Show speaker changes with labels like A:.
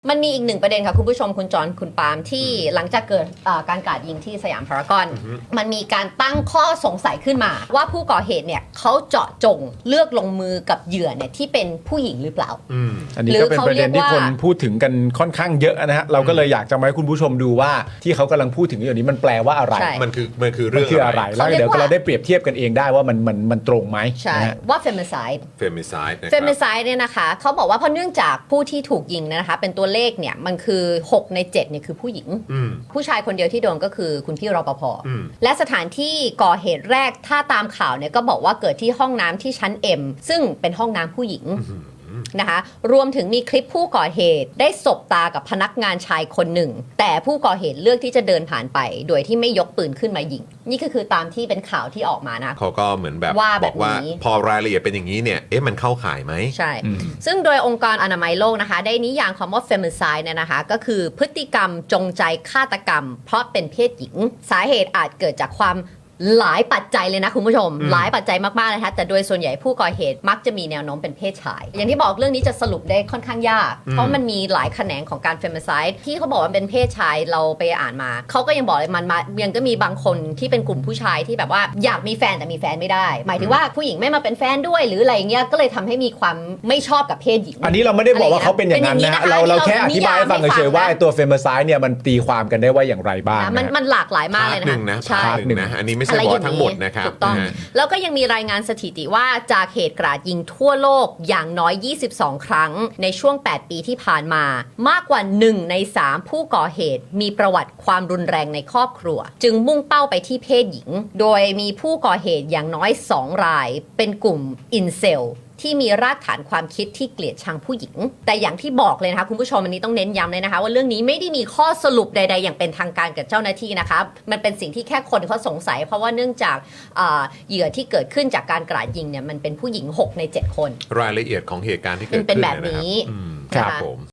A: มันมีอีกหนึ่งประเด็นค่ะคุณผู้ชมคุณจอนคุณปาล์มที่หลังจากเกิดการกราดยิงที่สยามพารากอนมันมีการตั้งข้อสงสัยขึ้นมาว่าผู้ก่อเหตุเนี่ยเขาเจาะจงเลือกลงมือกับเหยื่อเนี่ยที่เป็นผู้หญิงหรือเปล่า
B: อันนี้ก็เป็นประเด็นที่คนพูดถึงกันค่อนข้างเยอะนะฮะเราก็เลยอยากจะมาให้คุณผู้ชมดูว่าที่เขากำลังพูดถึงอยู่นี้มันแปลว่าอะไร
C: มันคือเรื่อง
B: อะไรแล้วเดี๋ยวเราได้เปรียบเทียบกันเองได้ว่ามันตรงไหม
A: ใช่ว่า femicide เนี่ยนะคะเขาบอกว่าเพราะเนื่องจากผู้ที่ถูกยิงนะคะเป็นตัวเลขเนี่ยมันคือ6ใน7เนี่ยคือผู้หญิงผู้ชายคนเดียวที่โดนก็คือคุณพี่รปภและสถานที่ก่อเหตุแรกถ้าตามข่าวเนี่ยก็บอกว่าเกิดที่ห้องน้ำที่ชั้น M ซึ่งเป็นห้องน้ำผู้หญิงนะคะรวมถึงมีคลิปผู้ก่อเหตุได้สบตากับพนักงานชายคนหนึ่งแต่ผู้ก่อเหตุเลือกที่จะเดินผ่านไปโดยที่ไม่ยกปืนขึ้นมายิงนี่ก็คือตามที่เป็นข่าวที่ออกมานะ
C: เขาก็เหมือนแบบบอกว่าพอรายละเอียดเป็นอย่างนี้เนี่ยมันเข้าข่ายไหม
A: ใช่ซึ่งโดยองค์การอนามัยโลกนะคะได้นิยามคำว่า femicide เนี่ยนะคะก็คือพฤติกรรมจงใจฆาตกรรมเพราะเป็นเพศหญิงสาเหตุอาจเกิดจากความหลายปัจจัยเลยนะคุณผู้ชมหลายปัจจัยมากๆนะคะแต่โดยส่วนใหญ่ผู้ก่อเหตุมักจะมีแนวโน้มเป็นเพศชายอย่างที่บอกเรื่องนี้จะสรุปได้ค่อนข้างยากเพราะมันมีหลายแขนงของการ femicide ที่เขาบอกว่าเป็นเพศชายเราไปอ่านมาเขาก็ยังบอกเลยมันยังก็มีบางคนที่เป็นกลุ่มผู้ชายที่แบบว่าอยากมีแฟนแต่มีแฟนไม่ได้หมายถึงว่าผู้หญิงไม่มาเป็นแฟนด้วยหรืออะไรเงี้ยก็เลยทำให้มีความไม่ชอบกับเพศหญิง
B: อันนี้เราไม่ได้บอกว่าเขาเป็นอย่างนั้นนะเราแค่อธิบายให้ฟังเฉยๆว่าตัว femicide เนี่ยมันตีความกันได้ว่าอย่างไรบ้าง
A: มันหลากหลายมากเลยนะ
C: ใช่อันนี้ไม่ใช่บอกทั้งหมดถูก
A: ต้องแล้วก็ยังมีรายงานสถิติว่าจากเหตุกราดยิงทั่วโลกอย่างน้อย22ครั้งในช่วง8ปีที่ผ่านมามากกว่า1ใน3ผู้ก่อเหตุมีประวัติความรุนแรงในครอบครัวจึงมุ่งเป้าไปที่เพศหญิงโดยมีผู้ก่อเหตุอย่างน้อย2รายเป็นกลุ่มอินเซลที่มีรากฐานความคิดที่เกลียดชังผู้หญิงแต่อย่างที่บอกเลยนะคะคุณผู้ชมอันนี้ต้องเน้นย้ำเลยนะคะว่าเรื่องนี้ไม่ได้มีข้อสรุปใดๆอย่างเป็นทางการกับเจ้าหน้าที่นะคะมันเป็นสิ่งที่แค่คนเขาสงสัยเพราะว่าเนื่องจากเหยื่อที่เกิดขึ้นจากการกราดยิงเนี่ยมันเป็นผู้หญิง6ใน7คน
C: รายละเอียดของเหตุการณ์ที่เกิดขึ้น
A: เป็นแบบนี้
C: ครับผม